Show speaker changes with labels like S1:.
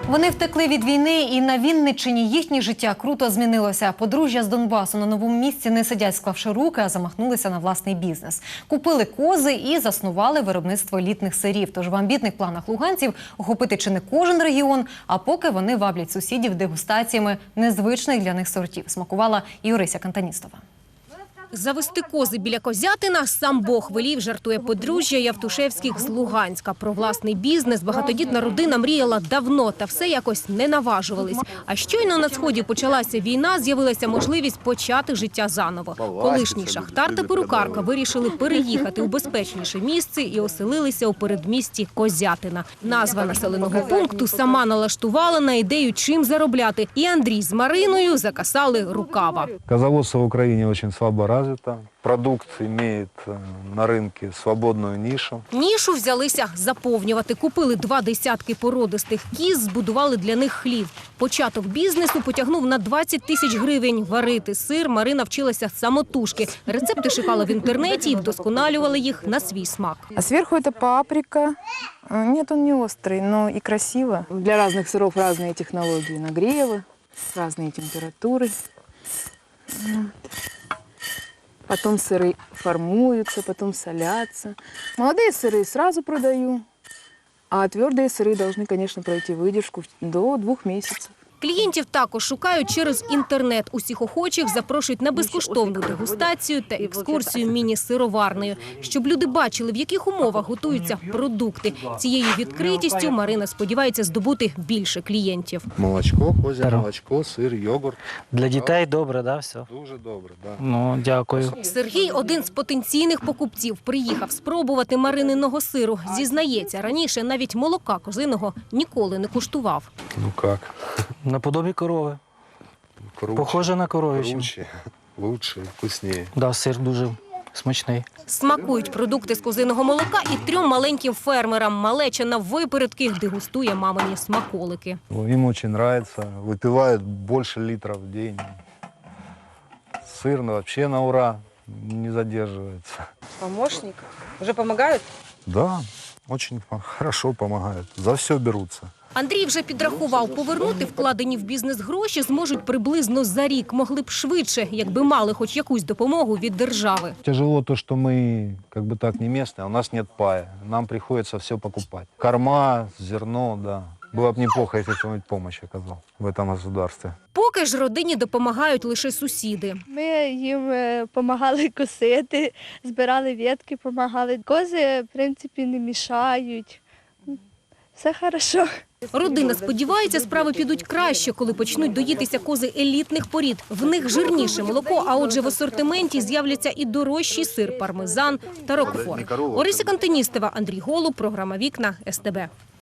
S1: Вони втекли від війни, і на Вінниччині їхнє життя круто змінилося. Подружжя з Донбасу на новому місці не сидять, склавши руки, а замахнулися на власний бізнес. Купили кози і заснували виробництво елітних сирів. Тож в амбітних планах луганців охопити чи не кожен регіон, а поки вони ваблять сусідів дегустаціями незвичних для них сортів. Смакувала і Орися Кантаністова.
S2: Завести кози біля Козятина сам Бог велів, жартує подружжя Явтушевських з Луганська. Про власний бізнес багатодітна родина мріяла давно, та все якось не наважувались. А щойно на Сході почалася війна, з'явилася можливість почати життя заново. Колишній шахтар та перукарка вирішили переїхати у безпечніше місце і оселилися у передмісті Козятина. Назва населеного пункту сама налаштувала на ідею, чим заробляти. І Андрій з Мариною закасали рукава.
S3: Козоводство в Украине очень слабо развито. Продукт имеет на рынке свободную нишу.
S2: Нішу взялися заповнювати. Купили 2 десятки породистих кіз, збудували для них хлів. Початок бізнесу потягнув на 20 тисяч гривень. Варити сир Марина вчилася самотужки. Рецепти шукала в інтернеті і вдосконалювали їх на свій смак.
S4: А сверху это паприка. Нет, он не острый, но и красиво. Для разных сыров разные технологии нагрева, разные температуры. Потом сыры формуются, потом солятся. Молодые сыры сразу продаю, а твердые сыры должны, конечно, пройти выдержку до 2 месяцев.
S2: Клієнтів також шукають через інтернет. Усіх охочих запрошують на безкоштовну дегустацію та екскурсію міні-сироварнею, щоб люди бачили, в яких умовах готуються продукти. Цією відкритістю Марина сподівається здобути більше клієнтів.
S3: Молочко, козье молочко, сир, йогурт.
S5: Для дітей добре, да, все?
S3: Дуже добре, да.
S5: Ну, дякую.
S2: Сергій – один з потенційних покупців. Приїхав спробувати Марининого сиру. Зізнається, раніше навіть молока козиного ніколи не куштував.
S3: Ну как?
S5: Наподобі корови.
S3: Круче,
S5: Похоже на коров'ячу.
S3: круче, лучше, вкуснее.
S5: Да, сир дуже смачний.
S2: Смакують продукти з козиного молока і 3 маленьким фермерам. Малеча на випередки дегустує мамині смаколики.
S3: Им очень нравится. Выпивают больше литров в день. Сыр вообще на ура, не задерживается.
S4: Помощник? Уже помогают?
S3: Да, очень хорошо помогают. За все берутся.
S2: Андрій вже підрахував, повернути вкладені в бізнес гроші зможуть приблизно за рік. Могли б швидше, якби мали хоч якусь допомогу від держави.
S3: Тяжело то, что мы как бы так не местные, а у нас нет пая. Нам приходится все покупать. Корма, зерно, да. Было бы неплохо, если кто-нибудь помощь оказал в этом государстве.
S2: Поки ж родині допомагають лише сусіди.
S6: Ми їм допомагали косити, збирали ветки, допомагали. Кози, в принципі, не мішають. Все хорошо.
S2: Родина сподівається, справи підуть краще, коли почнуть доїтися кози елітних порід. В них жирніше молоко, а отже в асортименті з'являться і дорожчий сир, пармезан та рокфор. Орися Кантаністова, Андрій Голуб, програма «Вікна», СТБ.